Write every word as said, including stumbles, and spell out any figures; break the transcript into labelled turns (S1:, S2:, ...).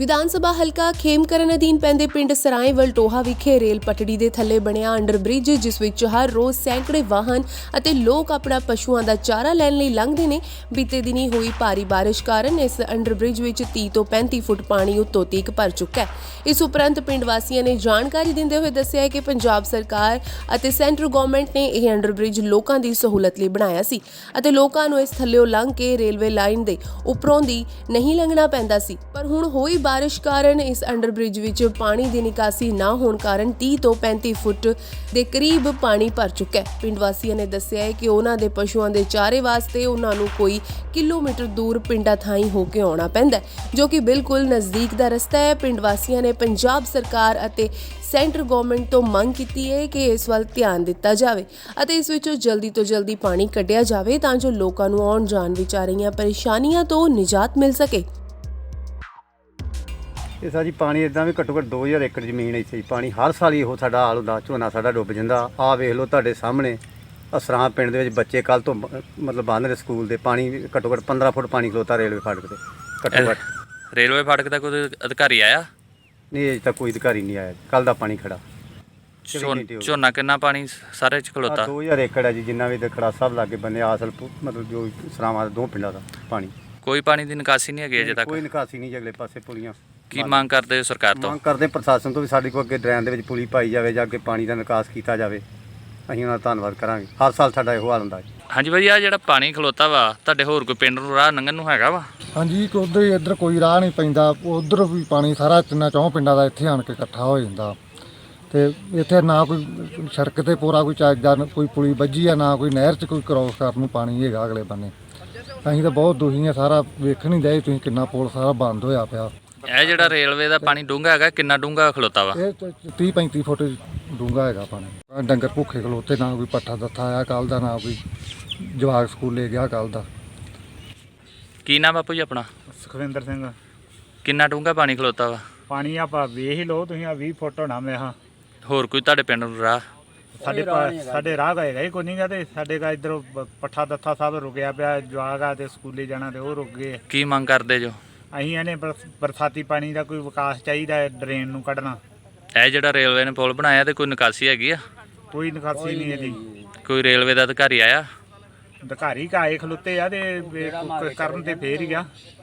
S1: ਵਿਧਾਨ ਸਭਾ ਹਲਕਾ ਖੇਮਕਰਨ ਅਧੀਨ ਪੈਂਦੇ ਪਿੰਡ ਸਰਾਏ ਵਲਟੋਹਾ ਵਿਖੇ ਰੇਲ ਪਟੜੀ ਦੇ ਥੱਲੇ ਬਣਿਆ ਅੰਡਰ ਬ੍ਰਿਜ, ਜਿਸ ਵਿੱਚ ਹਰ ਰੋਜ਼ ਸੈਂਕੜੇ ਵਾਹਨ ਅਤੇ ਲੋਕ ਆਪਣਾ ਪਸ਼ੂਆਂ ਦਾ ਚਾਰਾ ਲੈਣ ਲਈ ਲੰਘਦੇ ਨੇ। ਬੀਤੇ ਦਿਨੀ ਹੋਈ ਭਾਰੀ ਬਾਰਿਸ਼ ਕਾਰਨ ਇਸ ਅੰਡਰ ਬ੍ਰਿਜ ਵਿੱਚ ਤੀਹ ਤੋਂ ਪੈਂਤੀ ਫੁੱਟ ਪਾਣੀ ਉੱਤੋਂ ਤੀਕ ਭਰ ਚੁੱਕਾ ਹੈ। ਇਸ ਉਪਰੰਤ ਪਿੰਡ ਵਾਸੀਆਂ ਨੇ ਜਾਣਕਾਰੀ ਦਿੰਦੇ ਹੋਏ ਦੱਸਿਆ ਹੈ ਕਿ ਪੰਜਾਬ ਸਰਕਾਰ ਅਤੇ ਸੈਂਟਰ ਗਵਰਨਮੈਂਟ ਨੇ ਇਹ ਅੰਡਰ ਬ੍ਰਿਜ ਲੋਕਾਂ ਦੀ ਸਹੂਲਤ ਲਈ ਬਣਾਇਆ ਸੀ ਅਤੇ ਲੋਕਾਂ ਨੂੰ ਇਸ ਥੱਲਿਓਂ ਲੰਘ ਕੇ ਰੇਲਵੇ ਲਾਈਨ ਦੇ ਉੱਪਰੋਂ ਦੀ ਨਹੀਂ ਲੰਘਣਾ ਪੈਂਦਾ ਸੀ। ਪਰ ਹੁਣ ਹੋਈ ਬਾਰਿਸ਼ ਕਾਰਨ ਇਸ ਅੰਡਰ ਬ੍ਰਿਜ ਵਿੱਚ ਪਾਣੀ ਦੀ ਨਿਕਾਸੀ ਨਾ ਹੋਣ ਕਾਰਨ ਤੀਹ ਤੋਂ ਪੈਂਤੀ ਫੁੱਟ ਦੇ ਕਰੀਬ ਪਾਣੀ ਭਰ ਚੁੱਕਾ ਹੈ। ਪਿੰਡ ਵਾਸੀਆਂ ਨੇ ਦੱਸਿਆ ਹੈ ਕਿ ਉਹਨਾਂ ਦੇ ਪਸ਼ੂਆਂ ਦੇ ਚਾਰੇ ਵਾਸਤੇ ਉਹਨਾਂ ਨੂੰ ਕੋਈ ਕਿਲੋਮੀਟਰ ਦੂਰ ਪਿੰਡਾਂ ਥਾਈਂ ਹੋ ਕੇ ਆਉਣਾ ਪੈਂਦਾ ਹੈ, ਜੋ ਕਿ ਬਿਲਕੁਲ ਨਜ਼ਦੀਕ ਦਾ ਰਸਤਾ ਹੈ। ਪਿੰਡ ਵਾਸੀਆਂ ਨੇ ਪੰਜਾਬ ਸਰਕਾਰ ਅਤੇ ਸੈਂਟਰ ਗਵਰਨਮੈਂਟ ਤੋਂ ਮੰਗ ਕੀਤੀ ਹੈ ਕਿ ਇਸ ਵੱਲ ਧਿਆਨ ਦਿੱਤਾ ਜਾਵੇ ਅਤੇ ਇਸ ਵਿੱਚੋਂ ਜਲਦੀ ਤੋਂ ਜਲਦੀ ਪਾਣੀ ਕੱਢਿਆ ਜਾਵੇ ਤਾਂ ਜੋ ਲੋਕਾਂ ਨੂੰ ਆਉਣ ਜਾਣ ਵਿੱਚ ਆ ਰਹੀਆਂ ਪਰੇਸ਼ਾਨੀਆਂ ਤੋਂ ਨਿਜਾਤ ਮਿਲ ਸਕੇ।
S2: ਇਹ ਸਾਡੀ ਪਾਣੀ ਇਦਾਂ ਵੀ ਘੱਟੋ ਘੱਟ ਦੋ ਹਜ਼ਾਰ ਏਕੜ ਜ਼ਮੀਨ ਇੱਥੇ ਪਾਣੀ ਹਰ ਸਾਲ ਹੀ ਇਹੋ ਸਾਡਾ ਹਾਲ ਹੁੰਦਾ, ਝੋਨਾ ਸਾਡਾ ਡੁੱਬ ਜਾਂਦਾ। ਆਹ ਵੇਖ ਲਓ ਤੁਹਾਡੇ ਸਾਹਮਣੇ ਅਸਰਾਂ ਪਿੰਡ ਦੇ ਵਿੱਚ ਬੱਚੇ ਕੱਲ੍ਹ ਤੋਂ ਮਤਲਬ ਬੰਦ ਨੇ ਸਕੂਲ ਦੇ, ਪਾਣੀ ਘੱਟੋ ਘੱਟ ਪੰਦਰਾਂ ਫੁੱਟ ਪਾਣੀ ਖਲੋਤਾ ਰੇਲਵੇ ਫਾਟਕ ਤੇ ਘੱਟੋ ਘੱਟ।
S3: ਰੇਲਵੇ ਫਾਟਕ ਦਾ ਕੋਈ ਅਧਿਕਾਰੀ ਆਇਆ?
S2: ਨਹੀਂ, ਅਜੇ ਤੱਕ ਕੋਈ ਅਧਿਕਾਰੀ ਨਹੀਂ ਆਇਆ। ਕੱਲ੍ਹ ਦਾ ਪਾਣੀ ਖੜਾ।
S3: ਝੋਨਾ ਕਿੰਨਾ ਪਾਣੀ ਸਾਰੇ ਚ ਖਲੋਤਾ?
S2: ਦੋ ਹਜ਼ਾਰ ਏਕੜ ਹੈ ਜੀ, ਜਿੰਨਾ ਵੀ ਖੜਾ ਸਭ ਲਾਗੇ ਬੰਨੇ ਆਸਲ ਮਤਲਬ ਜੋ ਸਰਾਵਾਂ ਦੇ ਦੋ ਪਿੰਡਾਂ ਦਾ ਪਾਣੀ।
S3: ਕੋਈ ਪਾਣੀ ਦੀ ਨਿਕਾਸੀ ਨਹੀਂ ਹੈਗੀ ਅਜੇ ਤੱਕ?
S2: ਕੋਈ ਨਿਕਾਸੀ ਨਹੀਂ, ਅਗਲੇ ਪਾਸੇ ਪੁਲੀਆਂ।
S3: ਕੀ ਮੰਗ ਕਰਦੇ ਹੋ ਸਰਕਾਰ ਤੋਂ?
S2: ਮੰਗ ਕਰਦੇ ਪ੍ਰਸ਼ਾਸਨ ਤੋਂ ਵੀ ਸਾਡੇ ਕੋਲ ਅੱਗੇ ਡਰੇਨ ਦੇ ਵਿੱਚ ਪੁਲੀ ਪਾਈ ਜਾਵੇ ਜਾਂ ਅੱਗੇ ਪਾਣੀ ਦਾ ਨਿਕਾਸ ਕੀਤਾ ਜਾਵੇ। ਅਸੀਂ ਉਹਨਾਂ ਦਾ ਧੰਨਵਾਦ ਕਰਾਂਗੇ। ਹਰ ਸਾਲ ਸਾਡਾ ਇਹੋ ਹਾਲ ਹੁੰਦਾ ਹੈ।
S3: ਹਾਂਜੀ ਭਾਈ, ਆ ਜਿਹੜਾ ਪਾਣੀ ਖਲੋਤਾ ਵਾ ਤੁਹਾਡੇ ਹੋਰ ਕੋਈ ਪਿੰਡ ਨੂੰ ਰਾਹ ਲੰਘਣ ਨੂੰ ਹੈਗਾ ਵਾ?
S4: ਹਾਂਜੀ, ਉਧਰ ਹੀ ਇੱਧਰ ਕੋਈ ਰਾਹ ਨਹੀਂ ਪੈਂਦਾ। ਉਧਰ ਵੀ ਪਾਣੀ ਸਾਰਾ ਤਿੰਨਾਂ ਚੌਂ ਪਿੰਡਾਂ ਦਾ ਇੱਥੇ ਆਣ ਕੇ ਇਕੱਠਾ ਹੋ ਜਾਂਦਾ ਤੇ ਇੱਥੇ ਨਾ ਕੋਈ ਸੜਕ ਤੇ ਪੂਰਾ ਕੋਈ ਚੱਜਦਾ ਕੋਈ ਪੁਲੀ ਵੱਜੀ ਆ, ਨਾ ਕੋਈ ਨਹਿਰ 'ਚ ਕੋਈ ਕ੍ਰੋਸ ਕਰਨ ਨੂੰ ਪਾਣੀ ਹੈਗਾ ਅਗਲੇ ਬੰਨੇ। ਅਸੀਂ ਤਾਂ ਬਹੁਤ ਦੁਖੀ ਹਾਂ। ਸਾਰਾ ਵੇਖਣ ਹੀ ਦੇ ਤੁਸੀਂ ਕਿੰਨਾ ਪੁਲ ਸਾਰਾ ਬੰਦ ਹੋਇਆ ਪਿਆ।
S3: ਇਹ ਜਿਹੜਾ ਰੇਲਵੇ ਦਾ ਪਾਣੀ ਡੂੰਘਾ ਹੈਗਾ, ਕਿੰਨਾ ਡੂੰਘਾ ਖਲੋਤਾ ਵਾ?
S4: ਇਹ ਤੀਹ ਪੈਂਤੀ ਫੁੱਟ ਡੂੰਘਾ ਹੈਗਾ ਪਾਣੀ। ਡੰਗਰ ਭੁੱਖੇ ਖਲੋਤੇ, ਨਾ ਕੋਈ ਪੱਠਾ ਦੱਥਾ ਆਇਆ ਕੱਲ੍ਹ ਦਾ, ਨਾ ਕੋਈ ਜਵਾਕ ਸਕੂਲੇ ਗਿਆ ਕੱਲ੍ਹ ਦਾ।
S3: ਕੀ ਨਾਮ ਬਾਪੂ ਜੀ ਆਪਣਾ?
S5: ਸੁਖਵਿੰਦਰ ਸਿੰਘ।
S3: ਕਿੰਨਾ ਡੂੰਘਾ ਪਾਣੀ ਖਲੋਤਾ ਵਾ?
S5: ਪਾਣੀ ਆਪਾਂ ਵੇਖ ਹੀ ਲਓ ਤੁਸੀਂ, ਆ ਵੀਹ ਫੁੱਟ ਹੋਣਾ ਮੈਂ ਹਾਂ।
S3: ਹੋਰ ਕੋਈ ਤੁਹਾਡੇ ਪਿੰਡ ਨੂੰ ਰਾਹ?
S5: ਸਾਡੇ ਸਾਡੇ ਰਾਹ ਹੈਗਾ ਹੀ ਕੋਈ ਨਹੀਂ ਗਾ, ਤੇ ਸਾਡੇ ਕਾ ਇੱਧਰੋਂ ਪੱਠਾ ਦੱਥਾ ਸਭ ਰੁਕਿਆ ਪਿਆ। ਜਵਾਕ ਆ ਤੇ ਸਕੂਲੇ ਜਾਣਾ ਤੇ ਉਹ ਰੁਕ ਗਏ।
S3: ਕੀ ਮੰਗ ਕਰਦੇ ਜੋ?
S5: ਅਸੀਂ ਇਹਨੇ ਬਰਸਾਤੀ ਪਾਣੀ ਦਾ ਕੋਈ ਵਿਕਾਸ ਚਾਹੀਦਾ ਹੈ, ਡਰੇਨ ਨੂੰ ਕੱਢਣਾ।
S3: ਇਹ ਜਿਹੜਾ ਰੇਲਵੇ ਨੇ ਪੁਲ ਬਣਾਇਆ ਤੇ ਕੋਈ ਨਿਕਾਸੀ ਹੈਗੀ ਆ?
S5: ਕੋਈ ਨਿਕਾਸੀ ਨਹੀਂ ਇਹਦੀ।
S3: ਕੋਈ ਰੇਲਵੇ ਦਾ ਅਧਿਕਾਰੀ ਆਇਆ?
S5: ਅਧਿਕਾਰੀ ਕਾਏ ਖਲੋਤੇ ਆ ਤੇ ਕਰਨ ਤੇ ਫੇਰ ਹੀ ਗਿਆ।